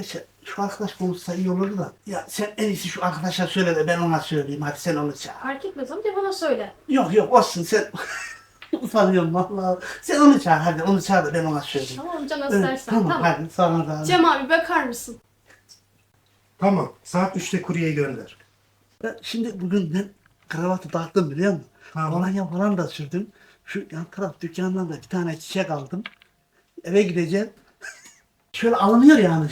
Gerçi şu arkadaş konuşsa iyi olurdu da. Ya sen en iyisi şu arkadaşa söyle de ben ona söyleyeyim. Hadi sen onu çağır. Fark etmez amca, bana söyle. Yok olsun sen. Utanıyorum vallahi. Sen onu çağır hadi onu çağır da ben ona söyleyeyim. Tamam amca, nasıl Evet, dersen. tamam hadi sonra da. Cem abi, bakar mısın? Tamam. Saat 3'te kuryeyi gönder. Şimdi bugün ben kravatı taktım biliyor musun? Tamam. Kolonya falan da sürdüm. Şu yan taraf dükkandan da bir tane çiçek aldım. Eve gideceğim. Şöyle alınıyor yani.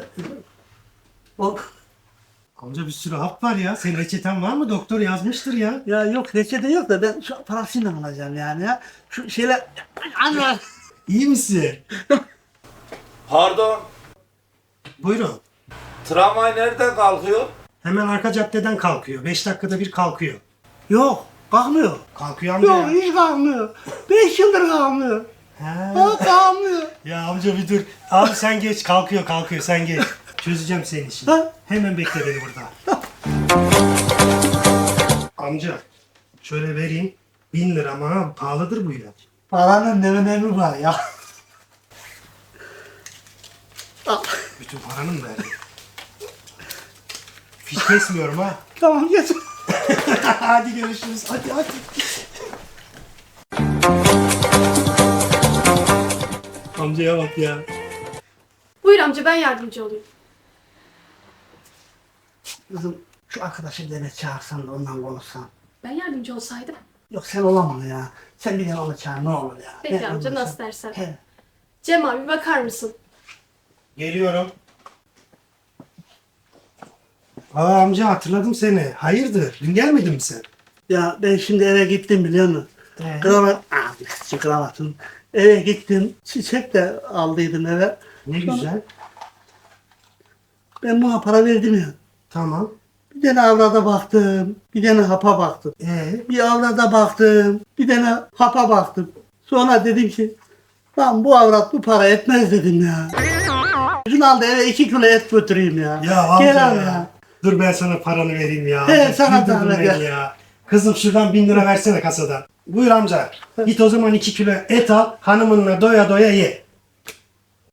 O, Amca bir sürü hap var ya. Senin reçeten var mı? Doktor yazmıştır ya. ya yok reçete yok da ben şu parasıyla alacağım yani ya. Şu şeyler... Anne! İyi misin? Pardon, Buyurun. tramvay nereden kalkıyor? Hemen arka caddeden kalkıyor. 5 dakikada bir kalkıyor. Yok kalkmıyor. Kalkıyor amca Yok ya. hiç kalkmıyor. 5 yıldır kalkmıyor. He. Ha kalkmıyor. Ya amca bir dur. Abi sen geç. Kalkıyor sen geç. Çözeceğim senin işini. Ha? Hemen bekle beni burada. Amca şöyle vereyim. 1000 lira ama ha, pahalıdır bu ilaç. Paranın ne önemi var ya. Al. Bütün paranı mı verdin? Fiş kesmiyorum ha. Tamam geç. Hadi görüşürüz. Hadi. Amcaya bak ya. Buyur amca, ben yardımcı olayım. Kızım şu arkadaşı dene çağırsan da ondan konuşsan. Ben yardımcı olsaydım. Yok sen olamam ya. Sen bir de onu çağır ne olur ya. Peki Ben amca, olmasam- nasıl dersen. He. Cem abi, bakar mısın? Geliyorum. Aa amca hatırladım seni. Hayırdır? Dün gelmedin mi sen? Ya ben şimdi eve gittim biliyor musun? Kravat, şu kravatın. Eve gittim. Çiçek de aldıydım eve. Ne güzel. Ben buna para verdim ya. Tamam. Bir tane avrada baktım. Bir tane hapa baktım. Bir avrada baktım. Bir tane hapa baktım. Sonra dedim ki lan bu avrat bu para etmez dedim ya. Şunu al da eve 2 kilo et götüreyim ya. Ya amca Gel al ya. Dur ben sana paranı vereyim ya. He, Amca, sana güldürdün zahmet beni ya. ya. Kızım şuradan 1000 lira versene kasadan. Buyur amca. Git o zaman 2 kilo et al. Hanımınla doya doya ye.